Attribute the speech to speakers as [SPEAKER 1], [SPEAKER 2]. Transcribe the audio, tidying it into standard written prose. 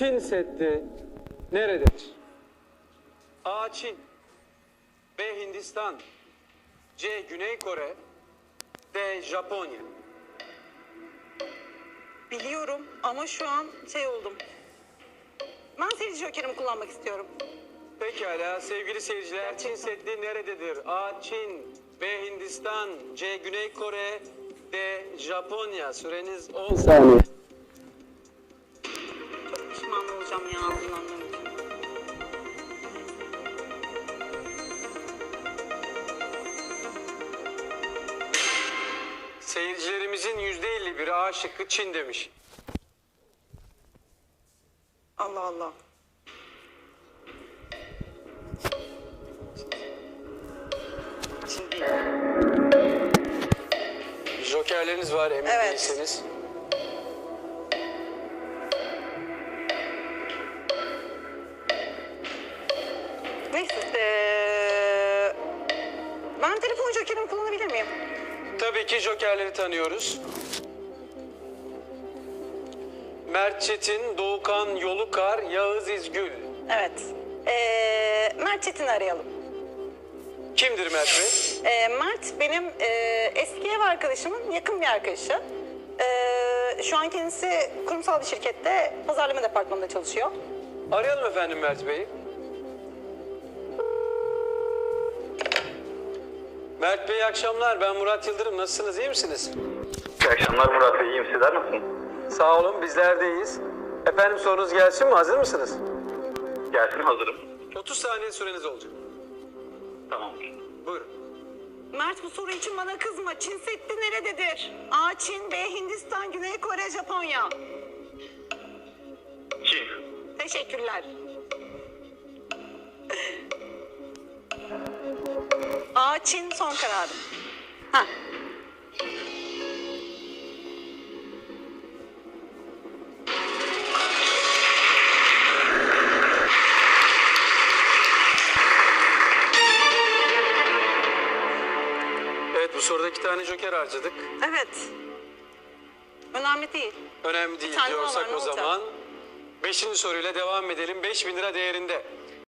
[SPEAKER 1] Çin Seddi nerededir? A. Çin, B. Hindistan, C. Güney Kore, D. Japonya.
[SPEAKER 2] Biliyorum ama şu an şey oldum. Ben seyirci jokerimi kullanmak istiyorum.
[SPEAKER 1] Pekala sevgili seyirciler, Çin Seddi nerededir? A. Çin, B. Hindistan, C. Güney Kore, D. Japonya. Süreniz 10 saniye.
[SPEAKER 2] Çok pişman olacağım ya kullandığım için.
[SPEAKER 1] Seyircilerimizin %51'i A şıkkı Çin demiş.
[SPEAKER 2] Allah Allah. Çin değil.
[SPEAKER 1] Jokerleriniz var emin
[SPEAKER 2] Evet.
[SPEAKER 1] değilseniz.
[SPEAKER 2] Neyse. Ben telefon jokerimi kullanabilir miyim?
[SPEAKER 1] Tabii ki jokerleri tanıyoruz. Mert Çetin, Doğukan Yolukar, Yağız İzgül.
[SPEAKER 2] Evet. Mert Çetin'i arayalım.
[SPEAKER 1] Kimdir Mert Bey?
[SPEAKER 2] Mert benim eski ev arkadaşımın yakın bir arkadaşı. Şu an kendisi kurumsal bir şirkette pazarlama departmanında çalışıyor.
[SPEAKER 1] Arayalım efendim Mert Bey'i. Mert Bey iyi akşamlar. Ben Murat Yıldırım. Nasılsınız? İyi misiniz?
[SPEAKER 3] İyi akşamlar Murat Bey, iyiyim. Sizler nasılsınız?
[SPEAKER 1] Sağ olun. Bizler de iyiyiz. Efendim sorunuz gelsin mi? Hazır mısınız?
[SPEAKER 3] Gelsin, hazırım.
[SPEAKER 1] 30 saniye süreniz olacak.
[SPEAKER 3] Tamamdır.
[SPEAKER 1] Buyurun.
[SPEAKER 2] Mert bu soru için bana kızma. Çin Seddi nerededir? A. Çin, B. Hindistan, Güney Kore, Japonya.
[SPEAKER 3] Çin.
[SPEAKER 2] Teşekkürler. A. Çin son kararım. Ha.
[SPEAKER 1] Evet bu soruda 2 tane joker harcadık.
[SPEAKER 2] Evet. Önemli değil.
[SPEAKER 1] Önemli değil
[SPEAKER 2] tane daha
[SPEAKER 1] diyorsak
[SPEAKER 2] var, ne
[SPEAKER 1] o
[SPEAKER 2] olacak?
[SPEAKER 1] zaman 5. soruyla devam edelim. 5.000 lira değerinde.